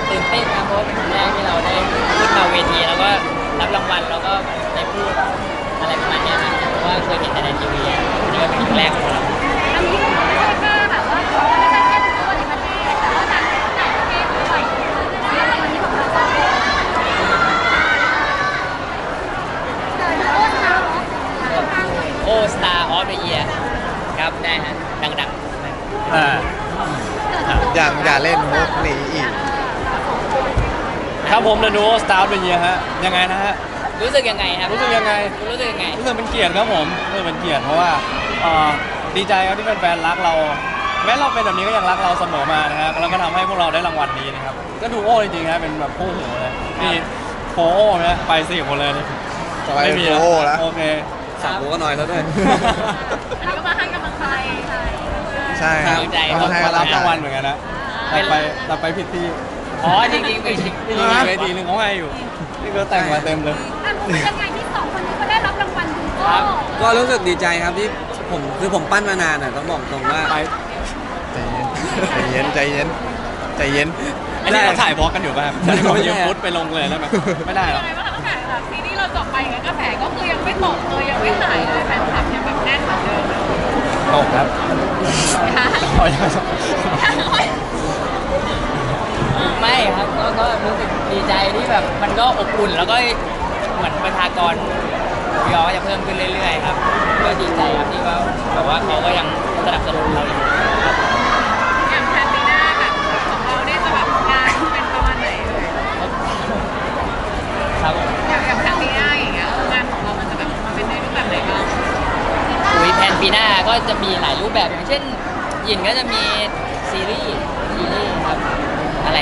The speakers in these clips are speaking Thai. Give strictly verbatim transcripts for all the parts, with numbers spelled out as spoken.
ตื่นเต้นครับเพราะเป็นครั้งแรกที่เราได้ขึ้นมาเวทีแล้วก็รับรางวัลแล้วก็ได้พูดอะไรประมาณนี้ครับเพราะว่าเคยเห็นแต่ในทีวีนี่ก็เป็นครั้งแรกของเราอันนี้ไม่ใช่แค่แบบว่าไม่ใช่แค่ทุกคนในประเทศแต่ว่าต่างต่างประเทศด้วยในวันนี้ของเราก็เดินโอ้สตาร์โอ Star of the Year ครับได้ฮะดังๆอ่าอย่างอย่าเล่นมุกนี้อีกครับผมเดอะนูสตาร์เป็นเยียฮะยังไงนะฮะรู้สึกยังไงครับรู้สึกยังไงรู้สึกยังไงรู้สึกเป็นเกียรติครับผมรู้สึกเป็นเกียรติเพราะว่าดีใจครับที่แฟนๆรักเราแม้เราเป็นแบบนี้ก็ยังรักเราเสมอมานะครับแล้วก็ทำให้พวกเราได้รางวัลนี้นะครับก็ดูโอ้จริงๆครับเป็นแบบคู่หูเลยนี่โฟโอ้นะไปสี่คนเลยไม่มีโอ้แล้วโอเคสั่งกูก็หน่อยแล้วด้วยอันนี้ก็มาให้กำลังใจใช่ครับต้องให้รับรางวัลเหมือนกันนะแต่ไปแต่ไปผิดที่อ๋อจริงๆไปจริงๆเวทีนึงเขาให้อยู่นี่ก็แต่งมาเต็มเลยอ่ะรู้สึกยังไงที่สองคนนี้เขาได้รับรางวัลดูโก้ก็รู้สึกดีใจครับที่ผมคือผมปั้นมานานอ่ะต้องบอกตรงว่าใจเย็นใจเย็นใจเย็นอันนี้เราถ่ายบล็อกกันอยู่ป่ะครับไม่ยืมฟุตไปลงเลยได้ไหมไม่ได้หรอกตั้งแต่แบบซีรีส์เราจบไปไงกระแสก็คือยังไม่ตกเลยยังไม่หายเลยแฟนคลับยังแบบแน่นเหมือนเดิมตกครับไม่ครับก็ก็รู้สึกดีใจที่แบบมันก็อบอุ่นแล้วก็เหมือนประชากรยอจะเพิ่มขึ้นเรื่อยๆครับก็ดีใจครับที่ว่าแบบว่าเขาก็ยังสนับสนุนเราอยู่ครับอย่างแพนปีหน้าแบบของเราเนี่ยจะแบบงานเป็นประมาณไหนเลยครับอย่างอย่างแพนปีหน้าอย่างเงี้ยงานของเรามันจะแบบมาเป็นในรูปแบบไหนบ้างอุ้ยแพนปีหน้าก็จะมีหลายรูปแบบอย่างเช่นยินก็จะมีซีรีส์ซีรีส์ครับอะไร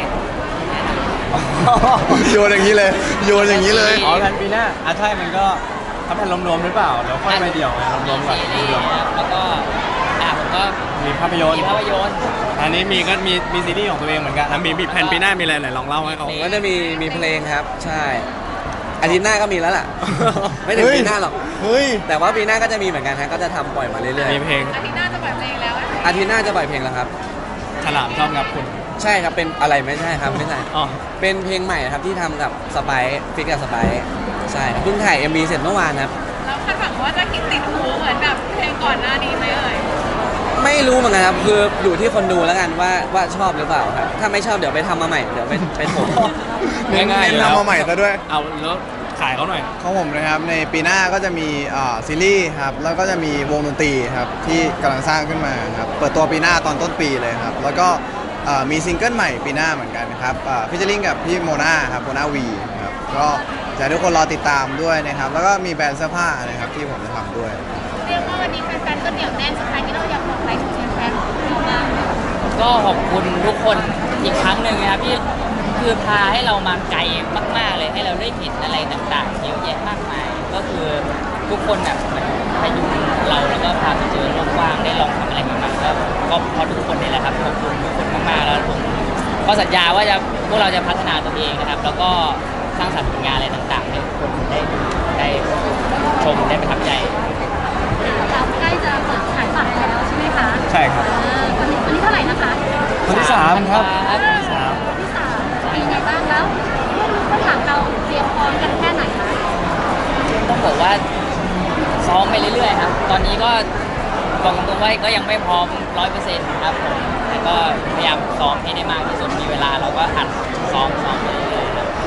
โยนอย่างนี้เลยโยนอย่างนี้เลยอ๋อแพนปีหน้าอ่ะใช่มันก็ถ้าแพนรวมๆหรือเปล่าแล้วค่อยไปเดี่ยวไงรวมๆก่อนซีรีส์แล้วก็อ่ะผมก็มีภาพยนตร์มีภาพยนตร์อันนี้มีก็มีมีซีรีส์ของตัวเองเหมือนกันมีมีแพนปีหน้ามีอะไรไหนลองเล่าให้เขาก็จะมีมีเพลงครับใช่อาทิตย์หน้าก็มีแล้วล่ะไม่ถึงปีหน้าหรอกแต่ว่าปีหน้าก็จะมีเหมือนกันฮะก็จะทำปล่อยมาเรื่อยๆมีเพลงอาทิตย์หน้าจะปล่อยเพลงแล้วอาทิตย์หน้าจะปล่อยเพลงแล้วครับฉลามชอบงับคุณใช่ครับเป็นอะไรไม่ใช่ครับไม่ใช่เป็นเพลงใหม่ครับที่ทำกับสไปซ์ฟิกกับสไปซ์ใช่เพิ่งถ่าย เอ็ม วี เสร็จเมื่อวานครับแล้วคาดหวังว่าจะคิดติดหูเหมือนแบบเพลงก่อนหน้านี้ไหมเอ่ยไม่รู้เหมือนกันครับคืออยู่ที่คนดูแล้วกันว่าว่าชอบหรือเปล่าครับถ้าไม่ชอบเดี๋ยวไปทำมาใหม่เดี๋ยวไปไปถมง่ายๆทำมาใหม่ซะด้วยเอาแล้วขายเขาหน่อยของผมนะครับในปีหน้าก็จะมีซีรีส์ครับแล้วก็จะมีวงดนตรีครับที่กำลังสร้างขึ้นมาครับเปิดตัวปีหน้าตอนต้นปีเลยครับแล้วก็มีซิงเกิลใหม่ปีหน้าเหมือนกันครับฟิชเชอร์ลิงกับพี่โมนาครับโมนาวีครับก็อยากให้ทุกคนรอติดตามด้วยนะครับแล้วก็มีแบรนด์เสื้อผ้านะครับที่ผมจะทำด้วยเรียกว่าวันนี้แฟนๆก็เหนียวแน่นสุดท้ายนี้เราอยากบอกอะไรถึงแฟนๆของเราบ้างก็ขอบคุณทุกคนอีกครั้งหนึ่งนะครับที่คือพาให้เรามาไกลมากๆเลยให้เราได้เห็นอะไรต่างๆเยอะแยะมากมายก็คือทุกคนแบบเหมือนพยุงเราแล้วก็พาไปเจอโลกกว้างได้ลองทำอะไรใหม่ๆก็ก็เพราะทุกคนนี่แหละครับขอบคุณทุกคนมากๆแล้วผมก็สัญญาว่าจะพวกเราจะพัฒนาตัวเองนะครับแล้วก็สร้างสรรค์ผลงานอะไรต่างๆให้คนได้ดูได้ชมได้ประทับใจเราใกล้จะเปิดขายบัตรแล้วใช่ไหมคะใช่ครับวันนี้วันนี้เท่าไหร่นะคะวันที่สามครับวันที่สามวันที่สามเป็นไงบ้างแล้วผู้ถามเราเตรียมพร้อมกันแค่ไหนคะต้องบอกว่าซ้อมไปเรื่อยๆครับตอนนี้ก็บอกตรงๆว่าก็ยังไม่พร้อมร้อยเปอร์เซ็นต์ครับผมแต่ก็พยายามซ้อมให้ได้มากที่สุดมีเวลาเราก็อัดซ้อมซ้อมไปเรื่อยๆครับ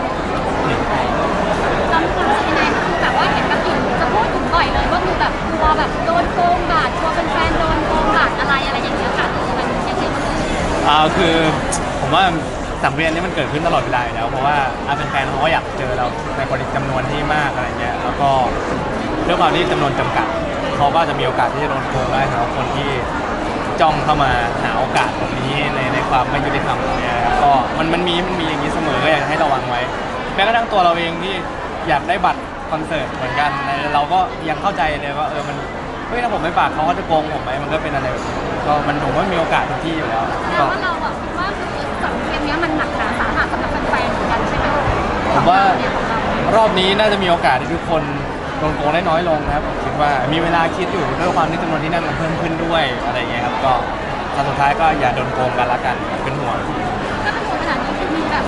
จำความรู้สึกยังไงคือแบบว่าเห็นกับอิ่มจะพูดถึงบ่อยเลยว่าคือแบบกลัวแบบโดนโกงบาทกลัวเป็นแฟนโดนโกงบาทอะไรอะไรอย่างเงี้ยค่ะมันยังไงบ้างอ่าคือผมว่าสังเวียนนี้มันเกิดขึ้นตลอดเวลาอยู่แล้วเพราะว่าแฟนๆเขาก็อยากเจอเราในปริมาณจำนวนที่มากอะไรเงี้ยแล้วก็ด้วยความที่จำนวนจำกัดเขาก็จะมีโอกาสที่จะโดนโกงได้สำหรับคนที่จ้องเข้ามาหาโอกาสตรงนี้ในในความไม่ยุติธรรมเนี่ยก็มันมันมีมันมีอย่างนี้เสมอก็อยากให้ระวังไว้แม้กระทั่งตัวเราเองที่อยากได้บัตรคอนเสิร์ตเหมือนกันเราก็ยังเข้าใจเลยว่าเออมันเฮ้ยถ้าผมไม่ฝากเขาจะโกงผมไหมมันก็เป็นอะไรก็มันผมว่ามีโอกาสทุกที่อยู่แล้วแต่ว่าเราแบบคิดว่าคือสังเกตนี้มันหนักหนาสาหัสสำหรับแฟนๆเหมือนกันใช่ไหมผมว่ารอบนี้น่าจะมีโอกาสที่ทุกคนโดนโกงได้น้อยลงนะครับผมคิดว่ามีเวลาคิดอยู่ด้วยความที่จำนวนที่นั่งมันเพิ่มขึ้นด้วยอะไรอย่างเงี้ยครับก็สุดท้ายก็อย่าโดนโกงกันละกันเป็นห่วงถ้าเป็นห่วงขนาดนี้คือมีแบบ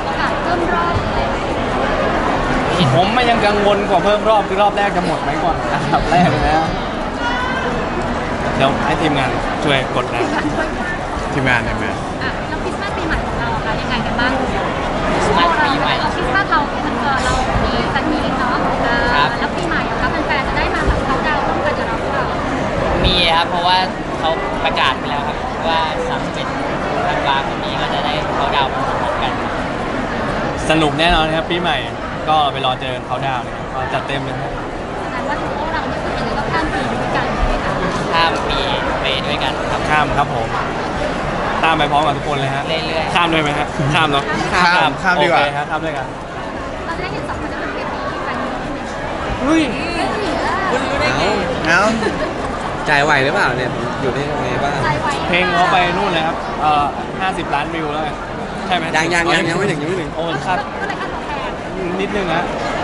พิ่มรอบอะไรไหมผมมันยังกังวลกว่าเพิ่มรอบคือรอบแรกจะหมดไหมก่อนอันดับแรกเลยนะเดี๋ยวให้ทีมงานช่วยกดนะทีมงานทีมงานอ่ะแล้วคริสต์มาสปีใหม่ของเราอะคะยังไงกันบ้างคริสต์มาสปีใหม่เราคริสต์มาสเราเออเรามีสันมีเนาะเออครับแล้วปีใหม่อะคะแฟนๆจะได้มาแบบเขาดาวน์ร่วมกันกับเราหรือเปล่ามีครับเพราะว่าเขาประกาศไปแล้วครับว่าสามสิบธันวาคมนี้ก็จะได้เขาดาวน์พร้อมๆกันสนุกแน่นอนครับปีใหม่ก็ไปรอเจอเขาดาวน์เลยครับก็จัดเต็มเลยครับแสดงว่าถือว่าเราเนี่ยคือเป็นก็ข้ามปีด้วยกันใช่ไหมคะข้ามปีไปด้วยกันครับข้ามครับผมตามไปพร้อมกับทุกคนเลยฮะเรื่อยๆข้ามด้วยไหมฮะข้ามเนาะข้ามข้ามดีกว่าโอเคฮะข้ามด้วยกันตอนแรกเห็นสองคนจะเป็นเวทีแฟนมิตใช่ไหมเฮ้ยไม่ถึงอะคุณรู้ได้ไงเอ้าใจไหวหรือเปล่าเนี่ยผมอยู่ได้ยังไงบ้างใจไวเพลงเขาไปนู่นเลยครับเอ่อห้าสิบล้านวิวแล้วไงใช่ไหมยังยังยังยังไม่ถึงยังไม่ถึงโอ้ครับก็เลยค่าตัวแพงนิดนึงฮะ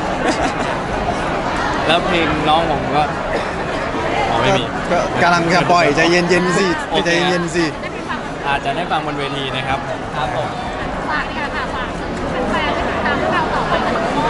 แล้วเพลงน้องผมก็อ๋อไม่มีก็กำลังจะปล่อยใจเย็นๆสิโอเคใจเย็นๆสิได้ไปฟังอาจจะได้ฟังบนเวทีนะครับครับผมฝากเนี่ยค่ะฝากแฟนๆได้ติดตามพวกเราต่อไปกัน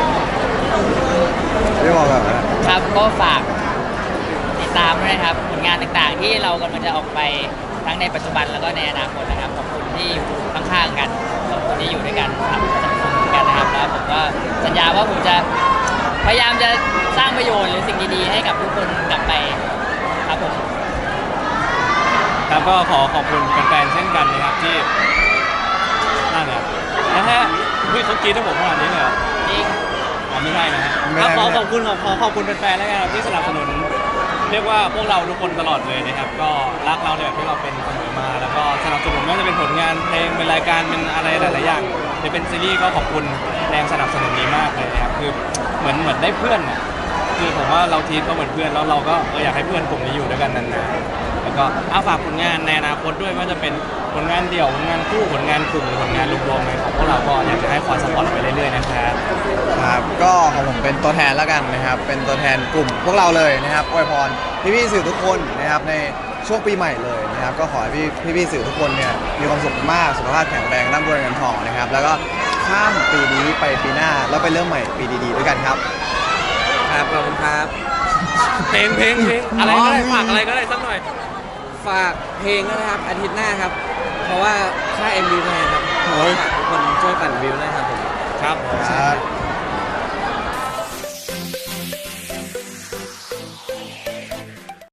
ไม่บอกแบบนั้นครับก็ฝากติดตามด้วยนะครับผลงานต่างๆ ที่เรากำลังจะออกไปทั้งในปัจจุบันแล้วก็ในอนาคตนะครับขอบคุณที่อยู่ข้างๆกันขอบคุณที่อยู่ด้วยกันทำสังคมกันนะครับแล้วผมก็สัญญาว่าผมจะพยายามจะสร้างประโยชน์หรือสิ่งดีๆให้กับทุกคนกลับไปครับผมครับก็ขอขอบคุณแฟนๆเช่นกันนะครับที่นั่นแหละนะฮะเฮ้ยเขากรีดให้ผมขนาดนี้เลยเหรอจริงอ๋อไม่ใช่นะฮะไม่ครับได้ขอไม่ขได้อบคุณขอขอขอบคุณแฟนๆแล้วกันครับที่สนับสนุน เรียกว่าพวกเราทุกคนตลอดเลยนะครับ ก็รักเราเนี่ยที่เราเป็นเสมอมา แล้วก็สนับสนุนไม่ว่าจะเป็นผลงานเพลงเป็นรายการเป็นอะไรหลายๆอย่างหรือเป็นซีรีส์ก็ขอบคุณแรงสนับสนุนนี้มากเลยนะครับคือเหมือนเหมือนได้เพื่อนอ่ะคือผมว่าเราทีมก็เหมือนเพื่อนแล้วเราก็เอออยากให้เพื่อนกลุ่มนี้อยู่ด้วยกันนานๆแล้วก็เอาฝากผลงานในอนาคตด้วยว่าจะเป็นผลงานเดี่ยวผลงานคู่ผลงานกลุ่มหรือผลงานรวมๆในของพวกเราก็อยากจะให้คอยสปอร์ตไปเรื่อยๆนะครับครับก็ของผมเป็นตัวแทนแล้วกันนะครับ เป็นตัวแทนกลุ่มพวกเราเลยนะครับอวยพรพี่ๆสื่อทุกคนนะครับในช่วงปีใหม่เลยนะครับ ก็ขอให้พี่พี่ๆสื่อทุกคนเนี่ยมีความสุขมากสุขภาพแข็งแรงร่ำรวยเงินทองนะครับ แล้วก็ข้ามปีนี้ไปปีหน้าแล้วไปเริ่มใหม่ปีดีๆด้วยกันครับครับขอบคุณครับเพลงเพลงเพลงอะไรก็ได้ฝากอะไรก็ได้สักหน่อยฝากเพลงด้วยนะครับอาทิตย์หน้าครับ เพราะว่าค่า เอ็ม วี แพงครับขอฝากทุกคนช่วยปั่นวิวด้วยครับผมครับครับ